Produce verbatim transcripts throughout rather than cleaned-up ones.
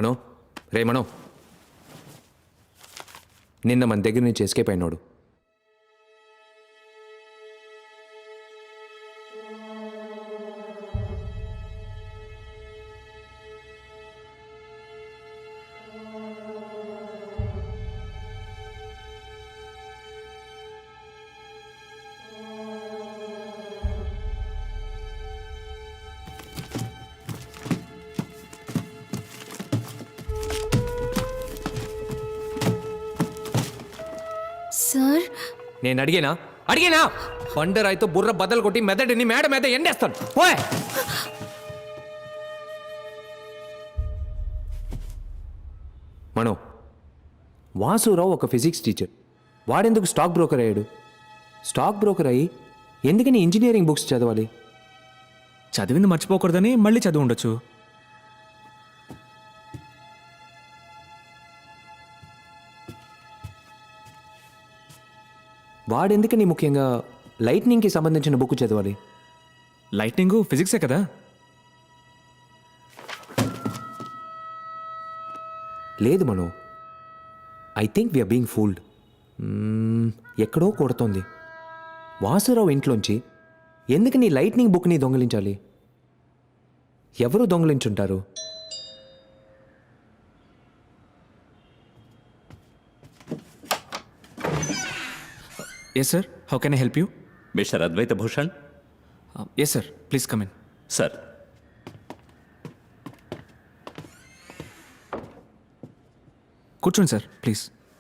మనో రే మనో, నిన్న మన దగ్గర నుంచి ఎస్కేప్ అయినాడు. సార్, నేను అడిగేనా అడిగేనా బండరాయితో బుర్ర బద్దలు కొట్టి మెదడిని మేడ మీద ఎండేస్తాను. ఓయ్ మనో, వాసురావు ఒక ఫిజిక్స్ టీచర్. వాడెందుకు స్టాక్ బ్రోకర్ అయ్యాడు? స్టాక్ బ్రోకర్ అయ్యి ఎందుకని ఇంజనీరింగ్ బుక్స్ చదవాలి? చదివింది మర్చిపోకూడదని మళ్ళీ చదివి ఉండొచ్చు. వాడెందుకని ముఖ్యంగా లైట్నింగ్కి సంబంధించిన బుక్ చదవాలి? లైట్నింగ్ ఫిజిక్సే కదా. లేదు Mano, I think we are being fooled. ఎక్కడో కొడుతోంది. వాసురావు ఇంట్లోంచి ఎందుకు నీ లైట్నింగ్ బుక్ని దొంగిలించాలి? ఎవరు దొంగిలించుంటారు? Yes sir, how can I help you? Mister Advaita Bhushan. Yes sir, please come in. Sir, కూర్చోండి సార్, ప్లీజ్.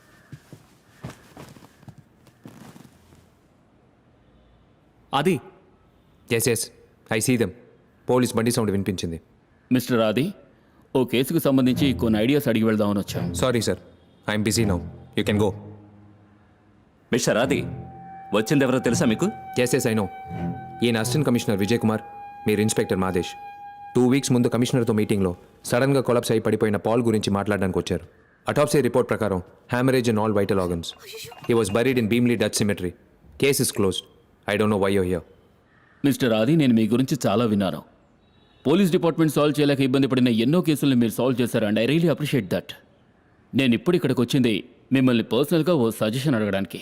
అది yes yes I see them. Police బండి సౌండ్ వినిపించింది. మిస్టర్ ఆది, ఓ కేసుకు సంబంధించి కొన్ని ఐడియాస్ అడిగి వెళ్దామని వచ్చాం. Sorry sir, I'm busy now, you can go. Mister Adi, వచ్చిందెవరో తెలుసా మీకు? Yes yes I know. ఈయన అసిస్టెంట్ కమిషనర్ విజయ్ కుమార్, మీరు ఇన్స్పెక్టర్ మాదేశ్. టూ వీక్స్ ముందు కమిషనర్తో మీటింగ్లో సడన్గా కొలాప్స్ అయి పడిపోయిన పాల్ గురించి మాట్లాడడానికి వచ్చారు. అటాప్సీ రిపోర్ట్ ప్రకారం haemorrhage in all vital organs. He was buried in Bheemli Dutch cemetery. Case is closed. I don't know why you here. Mister Adi, నేను మీ గురించి చాలా విన్నాను. పోలీస్ డిపార్ట్మెంట్ సాల్వ్ చేయలేక ఇబ్బంది పడిన ఎన్నో కేసులను మీరు సాల్వ్ చేశారు, and I really appreciate that. నేను ఇప్పుడు ఇక్కడికి వచ్చింది మిమ్మల్ని పర్సనల్గా ఓ సజెషన్ అడగడానికి.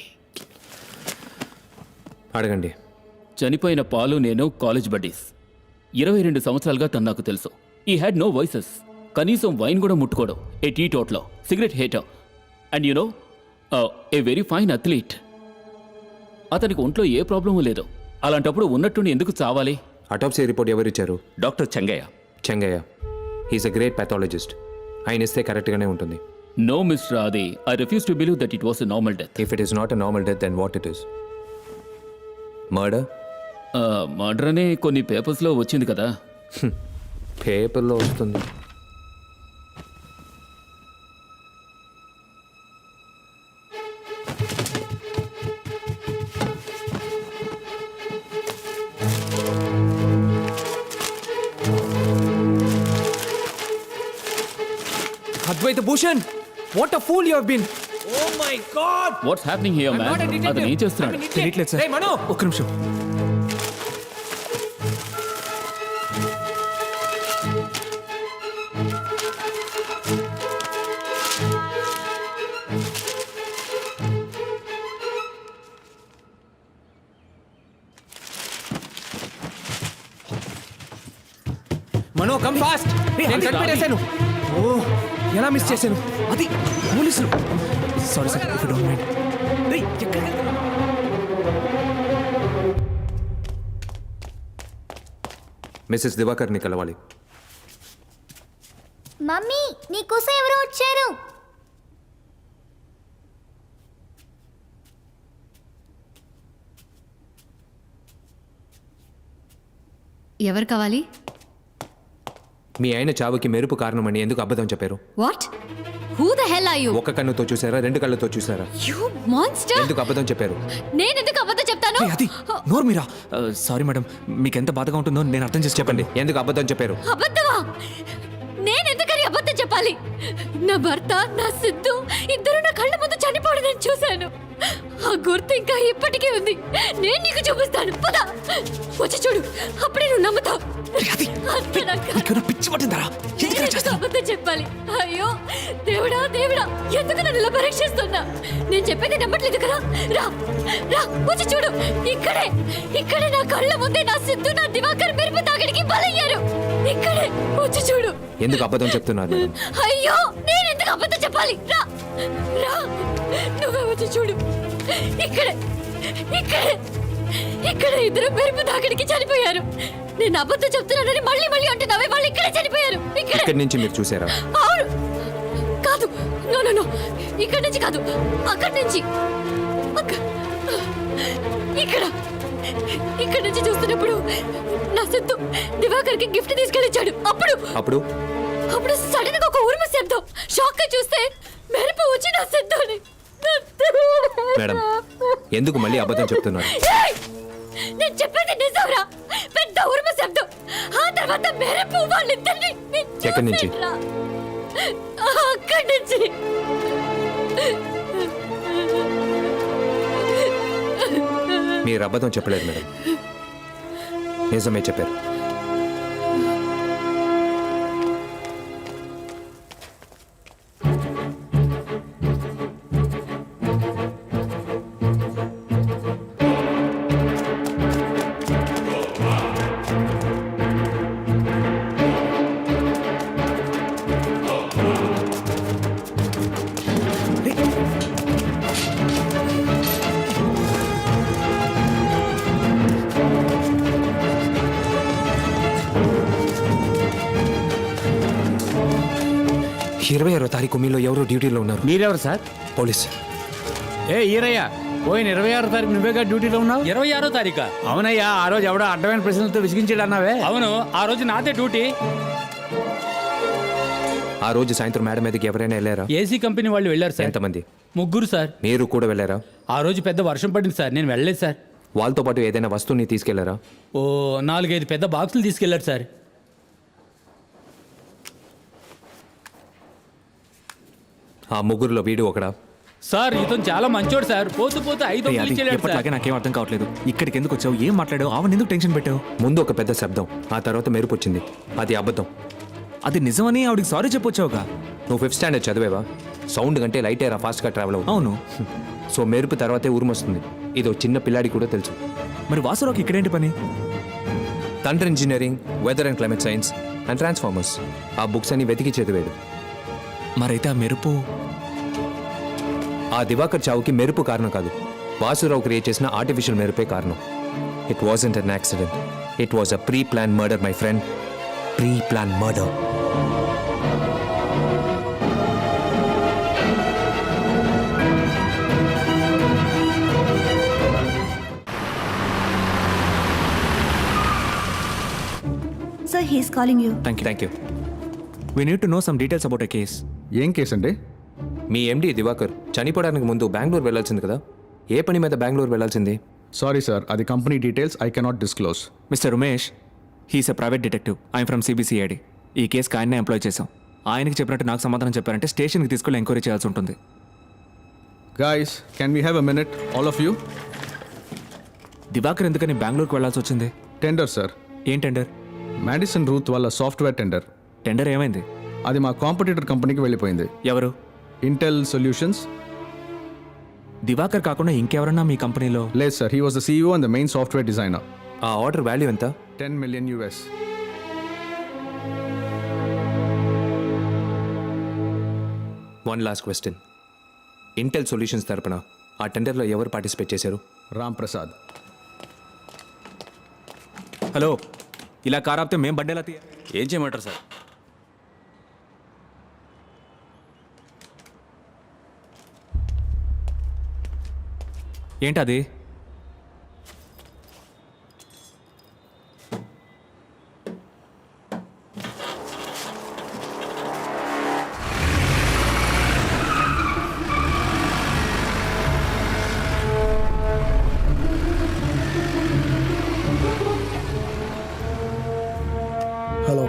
అడగండి. చనిపోయిన పాలు నేను కాలేజ్ బడ్డీస్. ఇరవై రెండు సంవత్సరాలుగా తను నాకు తెలుసు. He had no vices. కనీసం వైన్ కూడా ముట్టుకోవడం. A teetotaller cigarette hater. And you know, a very fine athlete. అతనికి ఒంట్లో ఏ ప్రాబ్లము లేదు. అలాంటప్పుడు ఉన్నట్టుండి ఎందుకు చావాలి? అటాప్సీ రిపోర్ట్ ఎవరిచ్చారు? Doctor Chengaiah. Chengaiah. He's a great pathologist. ఆయన ఇస్తే కరెక్ట్గానే ఉంటుంది. No mister Adi, I refuse to believe that it was a normal death. If it is not a normal death, then what it is? Murder? Murder అనే కొన్ని పేపర్స్లో వచ్చింది కదా. పేపర్లో వస్తుంది. Advaita Bhushan, what a fool you have been. Oh my God, what's happening here man? అతను ఏం చేస్తున్నాడు? తెలియట్లేదు సార్. రేయ్ మనో, ఒక్క నిమిషం. Mano come fast. నేను కనిపెట్టేశాను. ఓ, ఎలా మిస్ చేశాను? అది పోలీసులు. Sorry sir, if you don't mind. రేయ్, ఎక్కడికి వెళ్తున్నావు? మిస్సెస్ దివాకర్ని కలవాలి. మమ్మీ, నీకోసం ఎవరో వచ్చారు. ఎవరు కావాలి? మీ ఆయన చావుకి మెరుపు కారణమని ఎందుకు అబద్ధం చెప్పారు? What? Who the hell are you? ఒక కన్నుతో చూసారా, రెండు కళ్ళతో చూసారా? You monster! ఎందుకు అబద్ధం చెప్పారు? నేను ఎందుకు అబద్ధం చెప్తాను? రేయ్, అది నోరు మీరా. సారీ మేడం, మీకు ఎంత బాధగా ఉంటుందో నేను అర్థం చేసి చెప్పండి, ఎందుకు అబద్ధం చెప్పారు? అబద్ధమా? నేను ఎందుకని అబద్ధం చెప్పాలి? నా భర్త, నా సిద్ధు ఇద్దరు నా కళ్ళ ముందు చనిపోవడం నేను చూశాను. ఆ గుర్తు ఇంకా ఇప్పటికీ ఉంది. నేను నీకు చూపిస్తాను. పద వచ్చి చూడు, అప్పుడే నువ్వు నమ్ముతావు. అంతే నాకు. నీకేమైనా పిచ్చి పట్టిందరా? ఎందుకు ఇలా నేను చేస్తున్నావ్? అబద్ధం చెప్పాలి. అయ్యో దేవుడా దేవుడా, ఎందుకు నన్ను ఇలా పరీక్షిస్తున్నా? నేను చెప్పేది నమ్మట్లేదు కదా. రా రా వచ్చి చూడు. ఇక్కడే ఇక్కడే నా కళ్ళ ముందే నా సిద్ధు, నా దివాకర్ మెరుపు తాగడికి బలయ్యారు. ఇక్కడే వచ్చి చూడు. ఎందుకు అబద్ధం చెప్తున్నారు మేడం? అయ్యో నేను ఎందుకు అబద్ధం చెప్పాలి? రా రా నువ్వే వచ్చి చూడు. ఇక్కడే ఇక్కడే ఇక్కడ ఇద్దరు మెరుపు తాకిడికి చనిపోయారు. నేను అబద్ధం చెప్తున్నానని మళ్ళీ మళ్ళీ అంటున్నావే, వాళ్ళు ఇక్కడే చనిపోయారు. ఇక్కడే. ఇక్కడి నుంచి మీరు చూసారా? అవును. కాదు, నో నో నో, ఇక్కడి నుంచి కాదు, అక్కడి నుంచి. అక్క- ఇక్కడ ఇక్కడ నుంచి చూస్తున్నప్పుడు నా సిద్ధు దివాకర్కి గిఫ్ట్ తీసుకెళ్ళిచ్చాడు. అప్పుడు అప్పుడు అప్పుడు సడన్ గా ఒక ఉరుము శబ్దం. షాక్ గా చూస్తే మెరుపు వచ్చి నా సిద్ధుని. మేడం, ఎందుకు మళ్ళీ అబద్ధం చెప్తున్నారు? ఏయ్! నేను చెప్పేది నిజంరా. పెద్ద ఉరుము శబ్దం, ఆ తర్వాత మెరుపు. వాళ్ళిద్దరిని నేను ఎక్కడి నుంచి? చూసేట్లా. అక్కడి నుంచి. మీరు అబద్ధం చెప్పలేదు మేడం, నిజమే చెప్పారు. ఇరవై ఆరో తారీఖు మీలో ఎవరో డ్యూటీలో ఉన్నారు. మీరెవరు సార్? పోలీస్. ఏ ఈరయ్య, పోయిన ఇరవై ఆరో తారీఖు నువ్వేగా డ్యూటీలో ఉన్నావు? ఇరవై ఆరో తారీఖా? అవునయ్యా, ఆ రోజు ఎవడో అడ్డమైన ప్రశ్నలతో విసిగించాడు అన్నావే. అవును, ఆ రోజు నాదే డ్యూటీ. ఆ రోజు సాయంత్రం మేడం మీదకి ఎవరైనా వెళ్ళారా? ఏసీ కంపెనీ వాళ్ళు వెళ్ళారు సార్. ఎంతమంది? ముగ్గురు సార్. మీరు కూడా వెళ్ళారా? ఆ రోజు పెద్ద వర్షం పడింది సార్, నేను వెళ్ళలేదు సార్. వాళ్ళతో పాటు ఏదైనా వస్తువుని తీసుకెళ్లారా? ఓ నాలుగైదు పెద్ద బాక్సులు తీసుకెళ్లారు సార్. ఆ ముగ్గురులో వీడు ఒకడా? సార్ ఇతను చాలా మంచోడు సార్. పోతూ పోతూ ఐదు ఏయ్, వందలు అది ఇచ్చేళ్ళాడు సార్. ఎప్పటిలాగే నాకేం అర్థం కావట్లేదు. ఇక్కడికి ఎందుకు వచ్చావు? ఏం మాట్లాడావు? ఆవిడ ఎందుకు టెన్షన్ పెట్టావు? ముందు ఒక పెద్ద శబ్దం, ఆ తర్వాత మెరుపు వచ్చింది. అది అబద్ధం. అది నిజమని ఆవిడకి సారీ చెప్పొచ్చావుగా. నువ్వు ఫిఫ్త్ స్టాండర్డ్ చదివేవా? సౌండ్ కంటే లైట్ ఎయిర్ ఫాస్ట్గా ట్రావెల్ అవుతుంది. అవును. సో మెరుపు తర్వాతే ఉరుము వస్తుంది. ఇదో చిన్న పిల్లాడి కూడా తెలుసు. మరి వాసురావుకి ఇక్కడేంటి పని? Thunder engineering, weather and climate science and transformers ఆ బుక్స్ అన్ని వెతికి చదివాడు. మరైతే ఆ మెరుపు ఆ దివాకర్ చావుకి మెరుపు కారణం కాదు, వాసురావు క్రియేట్ చేసిన ఆర్టిఫిషియల్ మెరుపే కారణం. It wasn't an accident, it was a pre plan murder my friend. Pre plan murder. Sir, he is calling you. Thank you. Thank you. We need to know some details about a case. ఏం case అండి? మీ ఎండి దివాకర్ చనిపోవడానికి ముందు బెంగళూరు వెళ్ళాల్సింది కదా, ఏ పని మీద బెంగళూరు వెళ్ళాల్సింది? సారీ సార్, అది company details I cannot disclose. Mister Umesh, he's a private detective. I'm from CBCID. ఈ కేసుకి ఆయన్నే ఎంప్లాయ్ చేశాం. ఆయనకి చెప్పినట్టు నాకు సమాధానం చెప్పారంటే స్టేషన్కి తీసుకెళ్ళి ఎంక్వైరీ చేయాల్సి ఉంటుంది. Guys, can we have a minute all of you? Diwakar ఎందుకని బెంగళూరుకి వెళ్ళాల్సి వచ్చింది? Tender sir. ఏం టెండర్? మ్యాడిసన్ రూత్ వాళ్ళ సాఫ్ట్వేర్ టెండర్. టెండర్ ఏమైంది? అది మా కాంపిటీటర్ కంపెనీకి వెళ్ళిపోయింది. ఎవరు? Intel solutions. దివాకర్ కాకుండా ఇంకెవరన్నా మీ కంపెనీలో? లేదు sir, he was the CEO and the main software designer. ఆ ఆర్డర్ వాల్యూ ఎంత? Ten million US. One last question. Intel solutions తరపున ఆ టెండర్లో ఎవరు పార్టిసిపేట్ చేశారు? రామ్ ప్రసాద్. హలో, ఇలా కార్ ఆపితే మేం బండేలా తీయ. ఏం చేయమంటారు సార్? ఏంటది? హలో.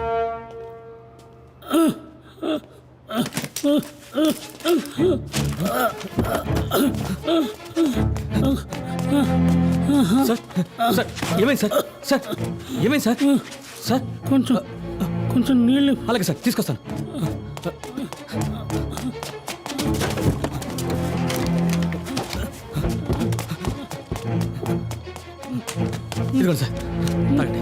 సార్ ఏమైంది సార్ సార్ ఏమైంది సార్ సార్ కొంచెం కొంచెం నీళ్ళు అలాగే సార్ తీసుకొస్తాను ఇదిగోండి సార్ తాగండి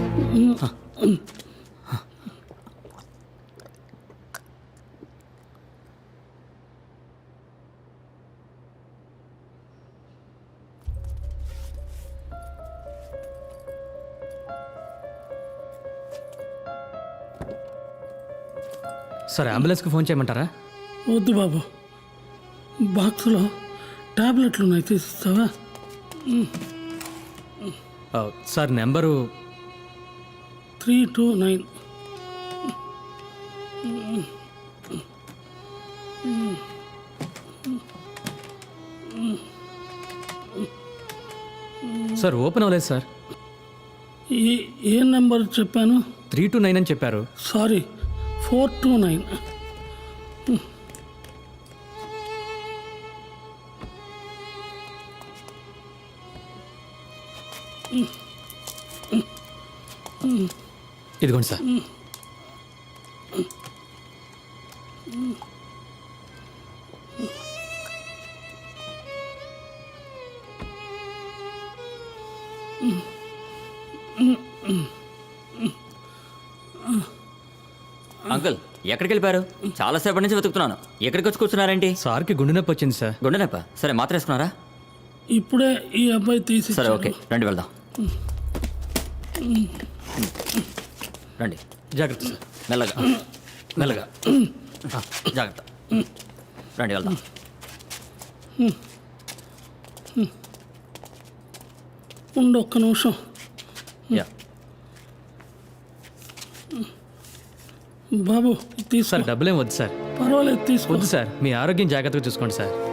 సార్ అంబులెన్స్కి ఫోన్ చేయమంటారా వద్దు బాబు బాక్స్లో టాబ్లెట్లు ఉన్నాయి తీసిస్తావా sir number three two nine sir open అవ్వలేదు సార్ ఏ ఏ నెంబర్ చెప్పాను త్రీ టు నైన్ అని చెప్పారు సారీ ఫోర్ టూ నైన్ ఇదిగోండి సార్ అంకుల్ ఎక్కడికి వెళ్ళిపోయారు చాలాసేపటి నుంచి వెతుకుతున్నాను ఎక్కడికి వచ్చి కూర్చున్నారేంటి సార్కి గుండె నొప్పి వచ్చింది సార్ గుండె నొప్ప సరే మాత్ర వేసుకున్నారా ఇప్పుడే ఈ అబ్బాయి తీసి సరే ఓకే రండి వెళ్దాం రండి జాగ్రత్త సార్ మెల్లగా మెల్లగా ఆ, జాగ్రత్త రండి వెళ్దాం ఉండు ఒక్క నిమిషం యా బాబు తీసుకో సార్ డబ్బులేం వద్దు సార్ పర్వాలేదు తీసుకో వద్దు సార్ మీ ఆరోగ్యం జాగ్రత్తగా చూసుకోండి సార్